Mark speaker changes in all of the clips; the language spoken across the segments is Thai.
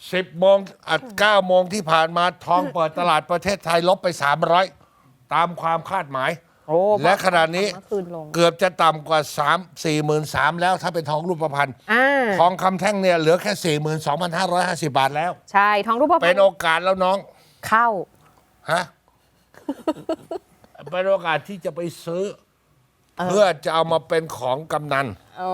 Speaker 1: 10 โมง9 โมงที่ผ่านมาทองเปิดตลาดประเทศไทยลบไป 300 ตามความคาดหมาย
Speaker 2: โอ้
Speaker 1: และขณะนี้
Speaker 2: เมื่อคืนลง
Speaker 1: เกือบจะต่ำกว่า 43,000 แล้วถ้าเป็นทองรูปพรรณ
Speaker 2: อ่า
Speaker 1: ทองคำแท่งเนี่ยเหลือแค่ 42,550 บาทแล้ว
Speaker 2: ใช่ทองรูปพรรณ
Speaker 1: เป็นโอกาสแล้วน้อง
Speaker 2: เข้า
Speaker 1: ฮะ เป็นโอกาสที่จะไปซื้อ เพื่อจะเอามาเป็นของกำนัน
Speaker 2: อ๋อ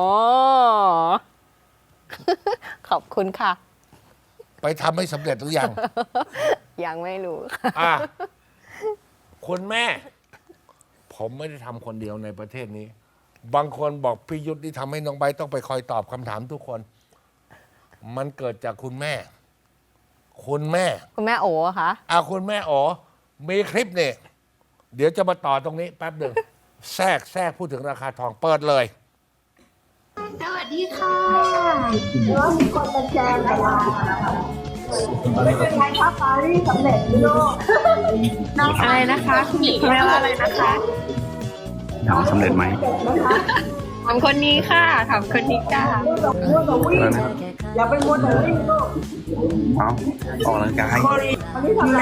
Speaker 2: ขอบคุณค่ะ
Speaker 1: ไปทำให้สำเร็จหรือยัง
Speaker 2: ยังไม่รู้
Speaker 1: อ่ะคุณแม่ ผมไม่ได้ทำคนเดียวในประเทศนี้ บางคนบอกพี่ยุทธที่ทำให้น้องใบร์ทต้องไปคอยตอบคำถามทุกคน มันเกิดจากคุณแม่ คุณแม่
Speaker 2: คุณแม่โอ๋คะ
Speaker 1: คุณแม่อ๋อมีคลิปเนี่ยเดี๋ยวจะมาต่อตรงนี้แป๊บหนึ่ง แทรกพูดถึงราคาทองเปิดเลย
Speaker 3: สวัสดีค่ะ
Speaker 4: แล้วมีคนมาแชร์กับเราไม่เป็นไรครับปารีสสำเร็จลูก
Speaker 3: น้องอะไรนะคะคุณหญิงแปลว่าอะไรนะคะ
Speaker 5: ถามว่าสำเร็จไหม
Speaker 3: ถามคนนี้ค่ะถามคนนี้ค่ะ
Speaker 4: มัวแต่วิ่งอย่าไปมัวแต่วิ่งลูก
Speaker 5: เอาออกกำลังกาย
Speaker 4: วันนี้ทำอะไร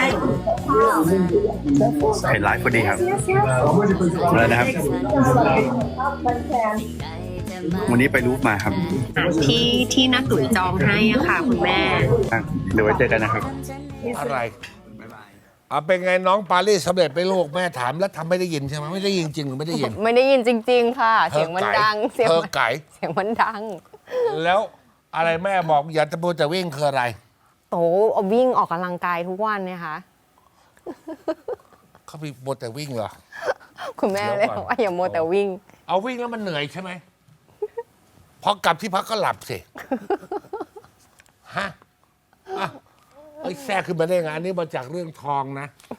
Speaker 5: เห็นไลฟ์พอดีครับอะไรนะครับ
Speaker 4: มันแชร์
Speaker 5: วันนี้ไปรูปมาครับ
Speaker 3: ที่นักตุ๋ยจองให้อะค่ะ คุณแม่
Speaker 5: อ่ะเดี๋ยวไว้เจอกันนะครับ
Speaker 1: อะไรเป็นไงน้องปารีสสำเร็จไปลูกแม่ถามแล้วทำไม่ได้ยินใช่ไหมไม่ได้ยินจริงหรือไม่ได้ยิน
Speaker 2: ไม่ได้ยินจริง ๆ ค่ะ เสียงมันดัง เสียง
Speaker 1: เธอ
Speaker 2: มัน
Speaker 1: ไก่
Speaker 2: เสียงมันดัง
Speaker 1: แล้วอะไรแม่บอกอย่าตะโกนแต่วิ่งคืออะไร
Speaker 2: โตเอาวิ่งออกกำลังกายทุกวันเนี่ยค่ะ
Speaker 1: เขามีโมวแต่วิ่งเหรอ
Speaker 2: คุณแม่เลย
Speaker 1: เดี๋ยวก่อน
Speaker 2: บอกว่าอย่ามัวแต่วิ่ง
Speaker 1: เอาวิ่งแล้วมันเหนื่อยใช่ไหมพอกลับที่พักก็หลับสิฮะอ่ะแทรกขึ้นมาได้ไงอันนี้มาจากเรื่องทองนะ